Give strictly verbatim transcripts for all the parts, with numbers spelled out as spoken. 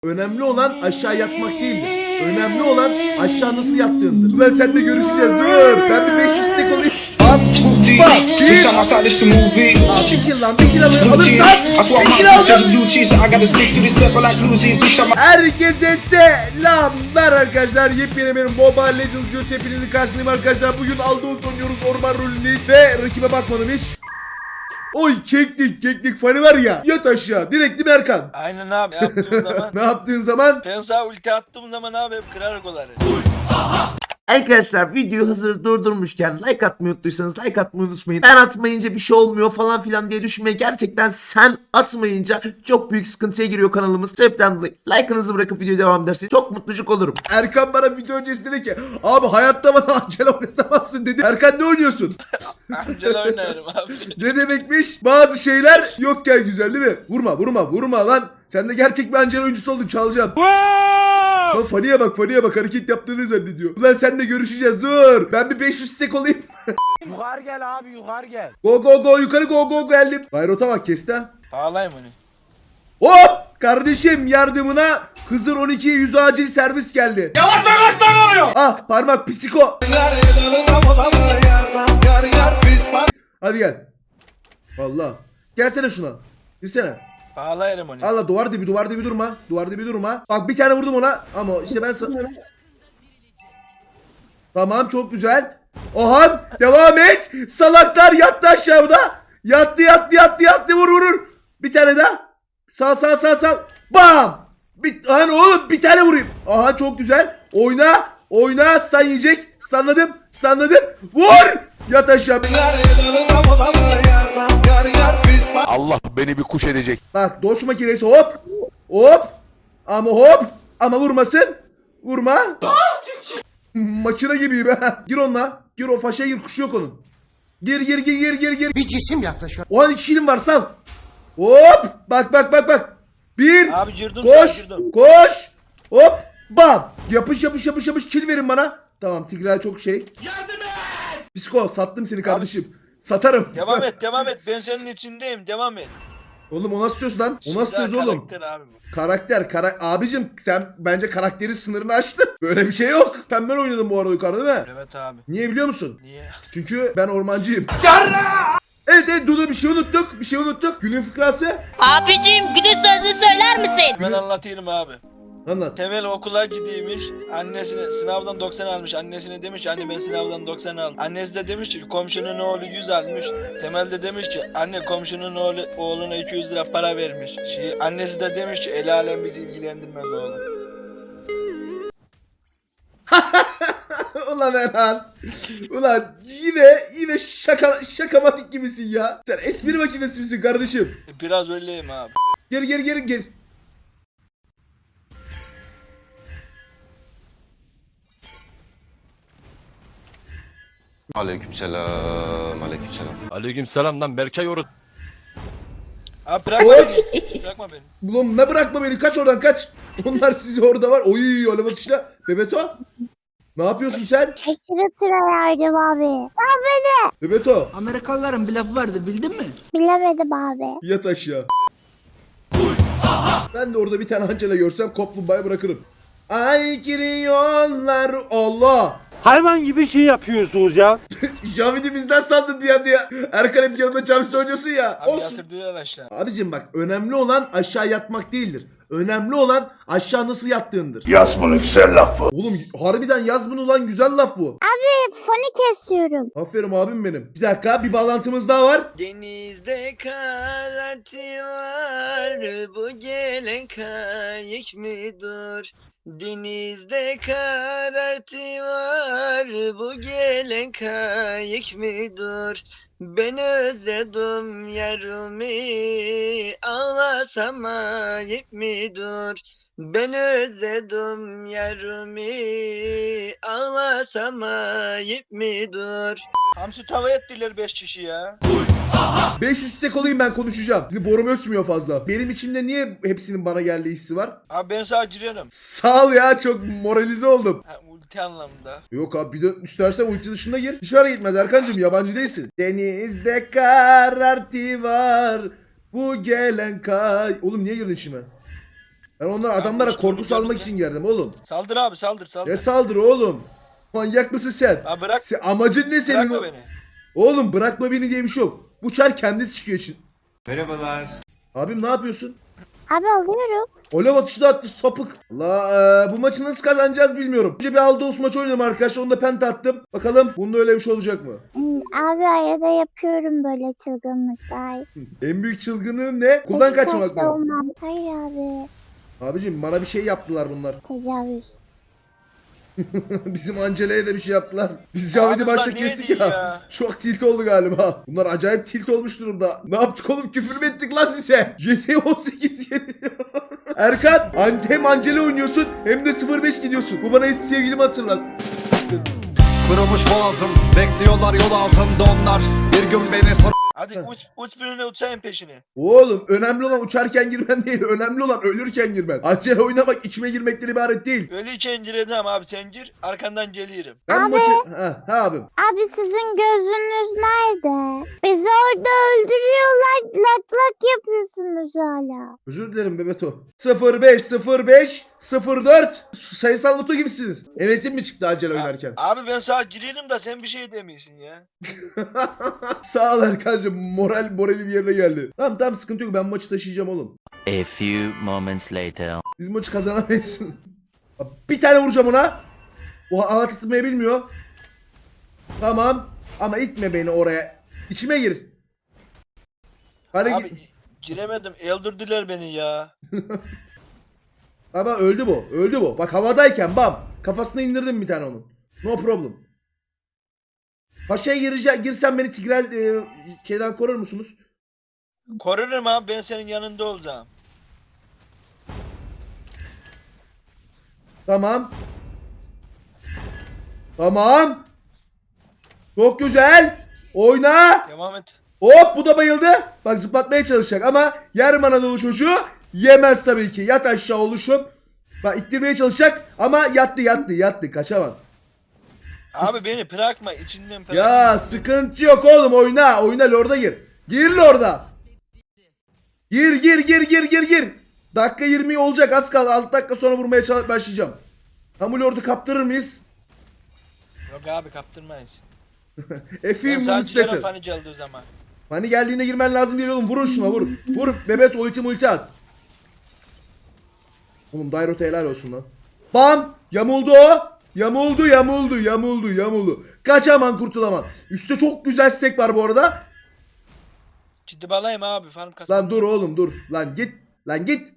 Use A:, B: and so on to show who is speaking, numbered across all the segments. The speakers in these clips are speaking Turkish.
A: Önemli olan aşağı yatmak değildir. Önemli olan aşağı nasıl yattığındır. Ulan seninle görüşeceğiz. Dur. Ben bir beş yüz sek olayım. Bak. Bir. Abi bir kill lan. Bir kill alır. Alırsan. Bir kill aldım. Herkese selamlar arkadaşlar. Yepyeni benim Mobile Legends videosu hepinizin karşısındayım arkadaşlar. Bugün Aldos oynuyoruz. Orman rolündeyiz. Ve rakibe bakmadım hiç. Oy keklik keklik fanı var ya. Yat aşağı. Direkt değil mi Erkan?
B: Aynen abi yaptığın zaman.
A: Ne yaptığın zaman?
B: Ben sağ ulti attığım zaman abi hep kırar golları.
A: Arkadaşlar videoyu hazır durdurmuşken like atmayı unuttuysanız like atmayı unutmayın. Ben atmayınca bir şey olmuyor falan filan diye düşünmeyin. Gerçekten sen atmayınca çok büyük sıkıntıya giriyor kanalımız. Sebepten dolayı like'ınızı bırakıp videoya devam ederseniz çok mutlucuk olurum. Erkan bana video öncesinde dedi ki abi hayatta bana Angela oynatamazsın dedi. Erkan ne oynuyorsun?
B: Angela oynarım abi.
A: Ne demekmiş? Bazı şeyler yokken güzel değil mi? Vurma vurma vurma lan. Sen de gerçek bir Angela oyuncusu oldun, çalacaksın. Lan Fani'ye bak Fani'ye bak hareket yaptığını zannediyor. Ulan seninle görüşeceğiz dur. Ben bir beş yüz sek olayım.
C: Yukarı gel abi yukarı gel.
A: Go go go yukarı go go geldim. Gayrota bak kesti ha.
B: Bağlayayım onu.
A: Hop kardeşim yardımına Hızır on ikiye yüz acil servis geldi.
C: Yavaş yavaş oluyor.
A: Ah parmak psiko. Hadi gel. Allah. Gelsene şuna. Girsene.
B: Bağlayırım onu.
A: Allah duvar dibi duvar dibi durma. Duvar dibi durma. Bak bir tane vurdum ona ama işte ben sana... Tamam çok güzel. Ohan devam et. Salaklar yattı aşağıda. Yattı yattı yattı yattı vur vurur. Bir tane daha. Sağ sağ sağ sağ. Bam. Bir, hani oğlum bir tane vurayım. Aha çok güzel. Oyna. Oyna. Stun yiyecek. Stunladım. Stunladım. Vur. Yat aşağı.
D: Allah beni bir kuş edecek.
A: Bak doş makinesi hop. Hop. Ama hop. Ama vurmasın. Vurma. Makine gibiyim ha. Gir onunla. Gir o faşaya gir, kuşu yok onun. Gir gir gir gir gir gir.
C: Bir cisim yaklaşıyor.
A: O an iki kilim var sal. Hop. Bak bak bak bak. Bir.
B: Abi girdim
A: Koş.
B: sen girdim.
A: Koş. Hop. Bam. Yapış yapış yapış yapış. Kill verin bana. Tamam Tigray çok şey. Yardım et. Psiko sattım seni kardeşim. Satarım.
B: Devam et devam et ben senin içindeyim devam et.
A: Oğlum o nasıl söz lan? O nasıl söz
B: Güzel
A: oğlum?
B: karakter abi bu.
A: Karakter, kara abicim sen bence karakterin sınırını aştın. Böyle bir şey yok. Sen ben oynadım bu arada yukarıda değil mi?
B: Evet abi.
A: Niye biliyor musun?
B: Niye?
A: Çünkü ben ormancıyım. Evet evet Dudu bir şey unuttuk. Bir şey unuttuk. Günün fıkrası.
E: Abicim günün sözünü söyler misin?
B: Ben anlatayım abi.
A: Anlat.
B: Temel okula gidiymiş. Annesine sınavdan doksan almış. Annesine demiş ki anne ben sınavdan doksan aldım. Annesi de demiş ki komşunun oğlu yüz almış. Temel de demiş ki anne komşunun oğlu oğluna iki yüz lira para vermiş. Şey, annesi de demiş ki el alem bizi ilgilendirmez oğlum.
A: Ulan Erhan. Ulan yine yine şaka şakamatik gibisin ya. Sen espri makinesi misin kardeşim?
B: Biraz öyleyim abi.
A: Geri geri geri geri.
D: Aleykümselam, aleykümselam.
F: Aleykümselam lan Berkay Orut.
B: Abi bırakma
A: Oy.
B: beni. Bırakma beni.
A: Ulan ne bırakma beni kaç oradan kaç. Onlar sizi orada var. Oy öyle bakışla. Bebeto. Ne yapıyorsun sen?
G: Aşırı tıra yardım abi. Abi
A: Bebeto.
H: Amerikalıların bir lafı vardır bildin mi?
G: bilemedim abi.
A: Yat aşağı. Ben de orada bir tane Angela görsem kaplumbağayı bırakırım. Ay giriyorlar Allah.
C: Hayvan gibi şey yapıyorsunuz ya.
A: Javidi bizden sandım bir anda ya. Erkan hep yanında Javis oynuyorsun ya.
B: Abi
A: Olsun.
B: yatırdılar aşağı.
A: Abicim bak önemli olan aşağı yatmak değildir. Önemli olan aşağı nasıl yattığındır.
C: Yaz bunu güzel lafı.
A: Oğlum harbiden yaz bunu ulan güzel laf bu.
G: Abi foni kesiyorum.
A: Aferin abim benim. Bir dakika bir bağlantımız daha var.
B: Denizde karartıyor bu gelen kayık mıdır? Denizde karartıyor bu gelen kayık mıdır? Ben özledim yarımı ağlasam ayıp mıdır? Ben özledim yarımı ağlasam ayıp mıdır? Hamsi tava ettiler beş kişi ya.
A: beş yüz sek olayım ben konuşacağım. Şimdi borum ötmüyor fazla. Benim içimde niye hepsinin bana geldiği hissi var?
B: Abi ben sana giriyorum.
A: Sağ ol ya çok moralize oldum.
B: Ha, ulti anlamında.
A: Yok abi bir de istersen ulti dışında gir. Hiç ara gitmez Erkancığım yabancı değilsin. Denizde karartı var bu gelen kay... Oğlum niye girdin içime? Ben onlara adamlara
B: uçtuğunu
A: korku salmak
B: görünce-
A: için geldim oğlum.
B: Saldır abi saldır saldır.
A: Ne saldırı oğlum? Manyak mısın sen?
B: Ha bırak.
A: Sen- amacın ne senin?
B: Bırakma
A: o-
B: beni.
A: Oğlum bırakma beni diye bir şey yok. Bu çar kendisi çıkıyor için.
C: Merhabalar.
A: Abim ne yapıyorsun?
G: Abi alıyorum.
A: Olev atışı da attı sapık. Allah bu maçı nasıl kazanacağız bilmiyorum. Önce bir Aldos maç oynadım arkadaşlar. Onda penta attım. Bakalım bunda öyle bir şey olacak mı?
G: Hmm, Abi arada yapıyorum böyle çılgınlıklar.
A: En büyük çılgınlığın ne? Kuldan
G: Peki
A: kaçmak
G: kaçta
A: mı?
G: olmam. Hayır abi.
A: Abicim bana bir şey yaptılar bunlar.
G: Tecavüz.
A: Bizim Angela'ya da bir şey yaptılar. Biz Cavit'i
B: Abi bunlar
A: başta
B: niye
A: kestik
B: değil
A: ya.
B: ya?
A: Çok tilt oldu galiba. Bunlar acayip tilt olmuş durumda. Ne yaptık oğlum? Küfür mü ettik lan size? yediye on sekiz yeniliyor. Erkan an- hem Angela oynuyorsun hem de sıfır beş gidiyorsun. Bu bana eski sevgilimi hatırlat.
I: Kırılmış boğazım, bekliyorlar yol altında onlar. Bir gün beni sor.
B: Hadi uç uç birine uçayım peşine.
A: Oğlum önemli olan uçarken girmen değil. Önemli olan ölürken girmen. Angela oynamak içime girmekten ibaret değil.
B: Ölüyken gireceğim abi sen gir arkandan gelirim.
A: Ben
G: Abi.
A: maçı... Ha, ha abim.
G: Abi sizin gözünüz nerede? Bizi orada öldürüyorlar. Lak lak yapıyorsunuz hala.
A: Özür dilerim Bebeto. sıfır beş sıfır beş sıfır dört sayısal loto gibisiniz. Enes'in mi çıktı Angela oynarken?
B: Abi ben sağa girelim da sen bir şey demiyorsun ya.
A: Sağ ol Erkan'cığım. Moral morali bir yerine geldi. Tamam tamam sıkıntı yok. Ben maçı taşıyacağım oğlum.
J: A few moments later.
A: Biz maçı kazanamayız. Bir tane vuracağım ona. O hava tutmayı bilmiyor. Tamam. Ama itme beni oraya. İçime gir. Hadi
B: Abi
A: git.
B: giremedim öldürdüler beni ya.
A: Baba öldü bu. Öldü bu. Bak havadayken bam. Kafasına indirdim bir tane onun. No problem. Paşa'ya gireceğim. Girsen beni Tigrel e, şeyden korur musunuz?
B: Korurum abi ben senin yanında olacağım.
A: Tamam. Tamam. Çok güzel. Oyna.
B: Devam et.
A: Hop bu da bayıldı. Bak zıplatmaya çalışacak ama yer Anadolu çocuğu yemez tabii ki. Yat aşağı oluşum. Bak ittirmeye çalışacak ama yattı yattı yattı kaçamam.
B: Abi beni bırakma içinden bırakma.
A: Ya sıkıntı yok oğlum oyna. Oyna lorda gir. Gir lorda. Gir gir gir gir gir gir. Dakika yirmi olacak az kaldı. altı dakika sonra vurmaya çalış- başlayacağım. Tam bu lordu kaptırır mıyız?
B: Yok abi kaptırmayız. Ben
A: Efendim
B: sadece
A: Mustafa.
B: yarın hani geldi o zaman.
A: Hani geldiğinde girmen lazım değil oğlum. Vurun şuna vur. Vur. Bebet ulti multi at. Oğlum Dairot'a helal olsun lan. Bam. Yamuldu o. Yamuldu yamuldu yamuldu yamuldu. Kaçaman kurtulaman. Üstte çok güzel stack var bu arada.
B: Ciddi balayım abi farm kasam.
A: Lan dur oğlum dur. Lan git. Lan git.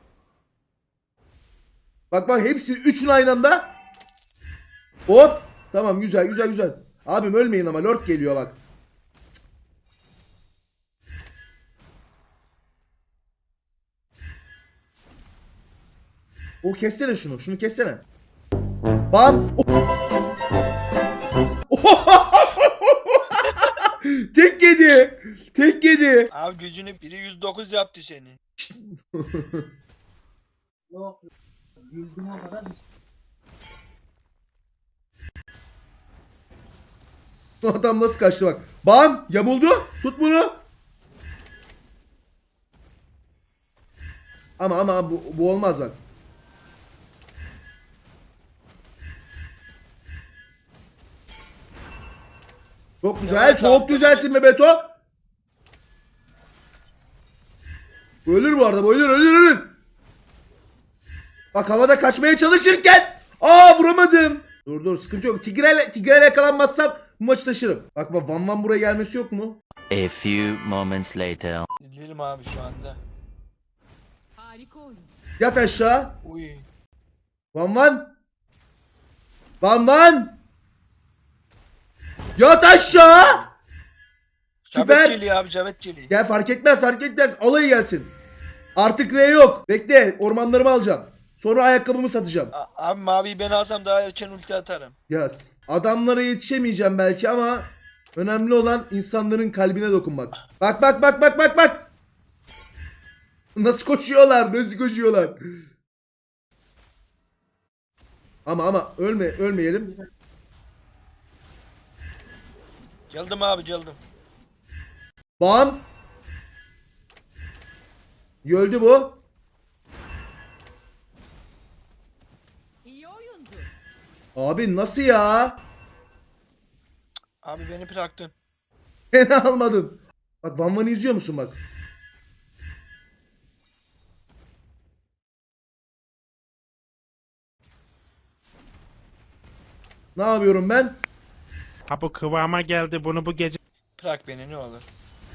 A: Bak bak hepsi üçün aynı anda. Hop. Tamam güzel güzel güzel. Abim ölmeyin ama lord geliyor bak. O kessene şunu. Şunu kessene. Bam. Tek yedi. Tek yedi.
B: Abi gücünü biri yüz dokuz yaptı seni.
A: Adam nasıl kaçtı bak. Bam. Yamuldu. Tut bunu. Ama ama bu, bu olmaz bak. Çok güzel.
B: Evet,
A: çok
B: abi.
A: güzelsin be Beto. Ölür bu arada. Bu ölür ölür ölür. Bak havada kaçmaya çalışırken. Aa vuramadım. Dur dur sıkıntı yok. Tigrel, Tigrel yakalanmazsam bu maçı taşırım. Bak bak Van Van buraya gelmesi yok mu?
J: A few moments later.
B: İzleyelim abi şu anda.
A: Yat aşağı.
B: Uy.
A: Van Van. Van Van. Yat aşağı. Süper.
B: Cabet geliyor abi cabet geliyor.
A: Gel fark etmez fark etmez. Alayı gelsin. Artık R yok. Bekle ormanlarımı alacağım. Sonra ayakkabımı satacağım.
B: A- abi maviyi ben alsam daha erken ulti atarım.
A: Ya s- adamlara yetişemeyeceğim belki ama önemli olan insanların kalbine dokunmak. Bak bak bak bak bak bak. Nasıl koşuyorlar? Nasıl koşuyorlar? Ama ama ölme ölmeyelim.
B: Geldim abi geldim.
A: Bam. Öldü bu. Abi nasıl ya?
B: Abi beni bıraktın.
A: Beni almadın. Bak Van Van'ı izliyor musun bak? Ne yapıyorum ben?
C: Ha bu kıvama geldi bunu bu gece.
B: Bırak beni ne olur.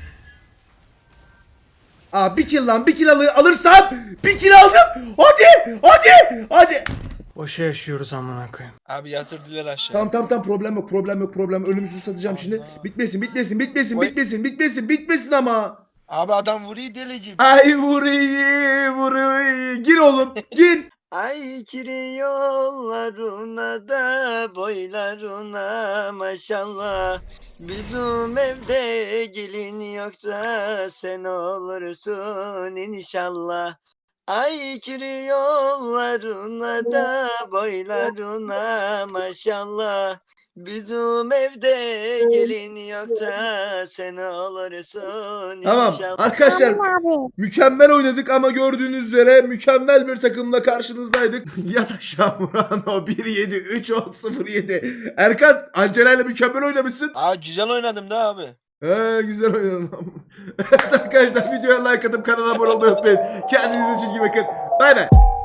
A: Aa bir kill lan bir kill alır, alırsam bir kill aldım. Hadi hadi hadi.
C: Boşa yaşıyoruz amına koyayım.
B: Abi yatırdılar aşağı.
A: Tamam tamam tamam problem yok problem yok problem yok. Ölümsüz satacağım şimdi. Bitmesin bitmesin bitmesin
B: Oy.
A: bitmesin bitmesin bitmesin ama.
B: Abi adam vuruyor deli gibi.
A: Ay vuruyu vuruyu. Gir oğlum gir.
B: Ay kiri yollarına da boylarına maşallah. Bizim evde gelin yoksa sen olursun inşallah. Ay kiri yollarına da boylarına maşallah. Bizim evde gelin yoksa sen olursun
A: Tamam
B: inşallah.
A: arkadaşlar
G: Abi.
A: mükemmel oynadık ama gördüğünüz üzere mükemmel bir takımla karşınızdaydık. Yat aşağı Murano bir yedi üç on sıfır yedi. Erkas Angela ile mükemmel oynamışsın.
B: Aa güzel oynadım da abi.
A: He güzel oynadın. Evet arkadaşlar videoya like atıp kanala abone olmayı unutmayın. Kendinize çok iyi bakın. Bay bay.